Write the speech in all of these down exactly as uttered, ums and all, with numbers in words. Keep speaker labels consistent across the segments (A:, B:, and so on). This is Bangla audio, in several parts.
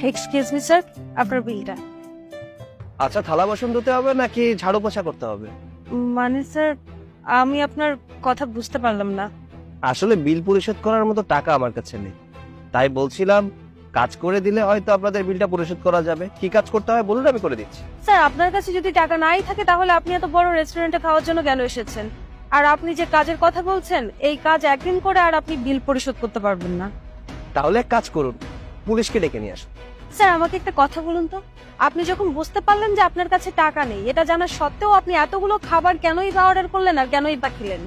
A: এক্সকিউজ মি স্যার, আপনার বিলটা।
B: আচ্ছা, থালা বাসন ধুতে হবে নাকি ঝাড়ু পোছা করতে হবে?
A: মানে স্যার, আমি আপনার কথা বুঝতে পারলাম না।
B: আসলে বিল পরিশোধ করার মতো টাকা আমার কাছে নেই, তাই বলছিলাম কাজ করে দিলে হয়তো আপনাদের বিলটা পরিশোধ করা যাবে। কি কাজ করতে হয় বলুন, আমি করে দিচ্ছি।
A: স্যার, আপনার কাছে যদি টাকা নাই থাকে তাহলে আপনি এত বড় রেস্টুরেন্টে খাওয়ার জন্য কেন এসেছেন? আর আপনি যে কাজের কথা বলছেন, এই কাজ একদিন করে আর আপনি বিল পরিশোধ করতে পারবেন না।
B: তাহলে এক কাজ করুন, পুলিশকে ডেকে নিয়ে আসুন।
A: স্যার, আমাকে একটা কথা বলুন তো, আপনি যখন বুঝতে পারলেন যে আপনার কাছে টাকা নেই, এটা জানা সত্ত্বেও আপনি এতগুলো খাবার কেনই বা অর্ডার করলেন আর কেনই বা খেলেন?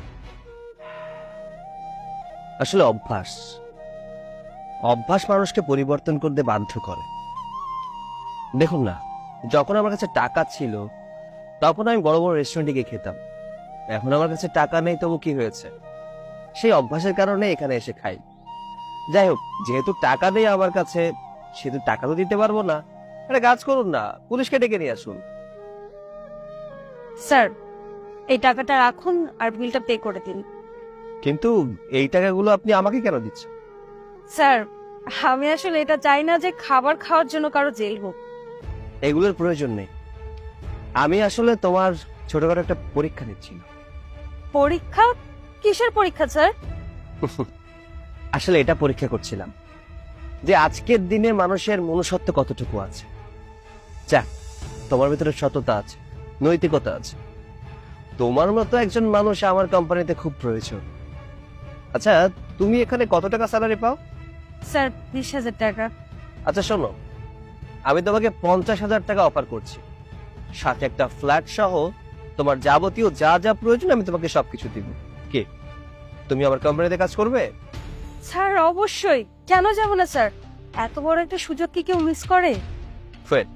B: আসলে অভ্যাস অভ্যাস মানুষকে পরিবর্তন করতে বাধ্য করে। দেখুন না, যখন আমার কাছে টাকা ছিল তখন আমি বড় বড় রেস্টুরেন্টে গিয়ে খেতাম। এখন আমার কাছে টাকা নেই, তবু কি হয়েছে? সেই অভ্যাসের কারণে এখানে এসে খাই। যাই হোক, যেহেতু টাকা নেই আমার কাছে, সেহেতু টাকা তো দিতে পারবো না। একটা কাজ করুন না, পুলিশকে ডেকে নিয়ে আসুন।
A: স্যার, এই টাকাটা রাখুন আর বিলটা পে করে দিন।
B: কিন্তু এই টাকাগুলো আপনি আমাকে কেন দিচ্ছেন?
A: স্যার, আমি আসলে এটা চাই না যে খাবার খাওয়ার জন্য কারো জেল হোক।
B: এগুলোর প্রয়োজন নেই। আমি আসলে তোমার ছোটখাটো একটা পরীক্ষা নিচ্ছিলাম।
A: পরীক্ষা? কিসের পরীক্ষা স্যার?
B: আসলে এটা পরীক্ষা করছিলাম যে আজকের দিনে মানুষের মনুষ্যত্ব কতটুকু আছে। যাক, তোমার ভিতরে সততা আছে, নৈতিকতা আছে। তোমার মতো একজন মানুষ আমার কোম্পানিতে খুব প্রয়োজন। আচ্ছা, তুমি এখানে কত টাকা স্যালারি পাও?
A: স্যার, বিশ হাজার টাকা।
B: আচ্ছা শোনো, আমি তোমাকে পঞ্চাশ হাজার টাকা অফার করছি, সাথে একটা ফ্ল্যাট সহ তোমার যাবতীয় যা যা প্রয়োজন আমি তোমাকে সবকিছু দিব। কে, তুমি আমার কোম্পানিতে কাজ করবে?
A: স্যার, অবশ্যই, কেন যাব না স্যার? এত বড় একটা সুযোগ কি কেউ মিস করে?
B: ওয়েট,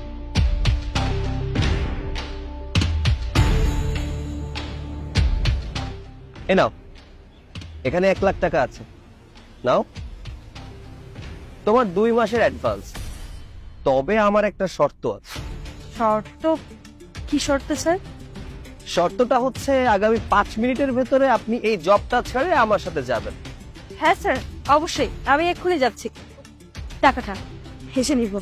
B: এ নাও, এখানে এক লাখ টাকা আছে, নাও। তোমার দুই মাসের অ্যাডভান্স। তবে আমার একটা শর্ত আছে।
A: শর্ত? কি শর্ত স্যার?
B: শর্তটা হচ্ছে আগামী পাঁচ মিনিটের ভেতরে আপনি এই জবটা ছেড়ে আমার সাথে যাবেন।
A: হ্যাঁ স্যার, অবশ্যই, আমি এক্ষুনি যাচ্ছি। টাকাটা হেসে নিব।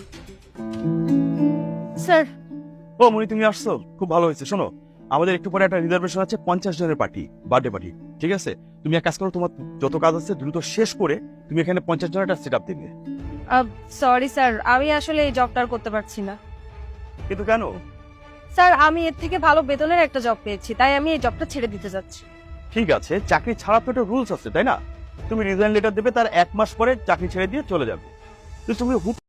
A: স্যার।
C: ও মনি, তুমি আসছো, খুব ভালো হয়েছে। শোনো, আমাদের একটু পরে একটা রিজার্ভেশন আছে, পঞ্চাশ জনের পার্টি, বার্থডে পার্টি। ঠিক আছে, তুমি এক কাজ করো, তোমার যত কাজ আছে দ্রুত শেষ করে তুমি এখানে পঞ্চাশ জনের একটা সেট আপ দিবে।
A: সরি স্যার, আমি আসলে এই জবটা আর করতে পারছি না।
C: কিন্তু কেন?
A: স্যার, আমি এর থেকে ভালো বেতনের একটা জব পেয়েছি, তাই আমি এই জবটা ছেড়ে দিতে যাচ্ছি।
C: ঠিক আছে, চাকরি ছাড়া তো একটা রুলস আছে, তাই না? তুমি রিজাইন লেটার দেবে, তার এক মাস পরে চাকরি ছেড়ে দিয়ে চলে যাবে। তো তুমি হুট